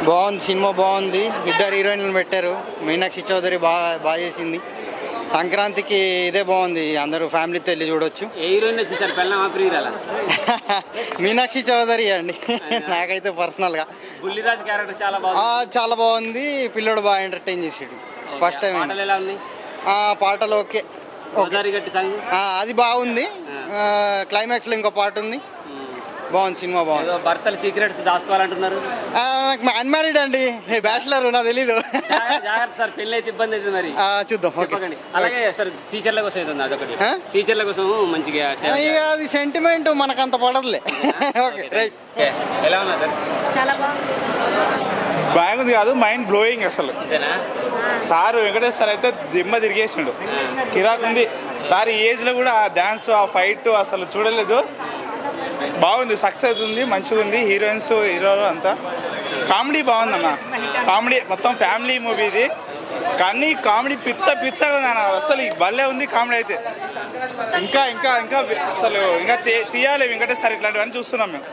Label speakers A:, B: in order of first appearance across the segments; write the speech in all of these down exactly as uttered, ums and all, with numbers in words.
A: బాగుంది, సినిమా బాగుంది. ఇద్దరు హీరోయిన్లను పెట్టారు. మీనాక్షి చౌదరి బాగా బాగా చేసింది. సంక్రాంతికి ఇదే బాగుంది, అందరూ ఫ్యామిలీతో వెళ్ళి చూడొచ్చు. మీనాక్షి చౌదరి అండి నాకైతే పర్సనల్గా చాలా బాగుంది. పిల్లడు బాగా ఎంటర్టైన్ చేసాడు ఫస్ట్ టైం. పాటలు ఓకే, అది బాగుంది. క్లైమాక్స్లో ఇంకో పాట ఉంది, బాగుంది. సినిమా బాగుంది.
B: భర్తలు సీక్రెట్స్ దాచుకోవాలంటున్నారు.
A: నాకు అన్మ్యారీడ్ అండి, బ్యాచిలర్, నాకు తెలీదు.
B: సార్ పెళ్ళి అయితే ఇబ్బంది అవుతుంది మరి,
A: చూద్దాం.
B: అలాగే సార్ టీచర్ల కోసం ఏదో అదొకటి, టీచర్ల కోసం మంచిగా
A: అది సెంటిమెంట్ మనకు అంత పడదులే.
B: ఎలా ఉన్నా సార్?
C: చాలా బాగుంది.
D: బాగుంది కాదు, మైండ్ బ్లోయింగ్ అసలు. సార్ వెంకటేష్ సార్ అయితే దిమ్మ తిరిగేసిండు, కిరాక్ ఉంది. సార్ ఈ ఏజ్లో కూడా ఆ డ్యాన్స్, ఆ ఫైట్ అసలు చూడలేదు. బాగుంది, సక్సెస్ ఉంది, మంచిగా ఉంది. హీరోయిన్స్, హీరోలు అంతా కామెడీ బాగుందన్న. కామెడీ మొత్తం ఫ్యామిలీ మూవీ ఇది, కానీ కామెడీ పిచ్చ పిచ్చగా ఉంది అన్న. అసలు భలే ఉంది కామెడీ అయితే. ఇంకా ఇంకా ఇంకా అసలు ఇంకా తీయాలి వెంకటేష్ సార్ ఇట్లాంటివన్నీ చూస్తున్నాం మేము.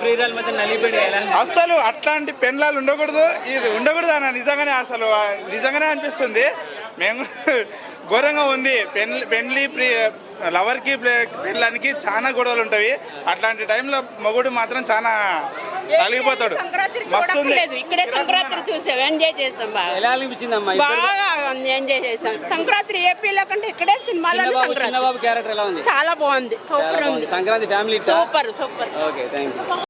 D: అసలు అట్లాంటి పెళ్ళాలు ఉండకూడదు, ఇది ఉండకూడదు అన్న. నిజంగానే అసలు నిజంగానే అనిపిస్తుంది. మేము ఘోరంగా ఉంది. పెన్ పెళ్లి ప్రి లవర్కి పెళ్ళానికి చాలా గొడవలు ఉంటాయి. అట్లాంటి టైంలో మగుడు మాత్రం చాలా కలిగిపోతాడు. మస్తు
C: ఇక్కడే సంక్రాంతి చూసాం, ఎంజాయ్ చేసాం. బాగా
B: ఎలా అనిపించిందమ్మా?
C: బాగా ఎంజాయ్ చేసాం. సంక్రాంతి ఏపీలో కంటే ఇక్కడే సినిమాలో
B: క్యారెక్టర్ ఎలా ఉంది?
C: చాలా బాగుంది, సూపర్ ఉంది.
B: Sankranti family
C: super super.
B: Okay, thank you.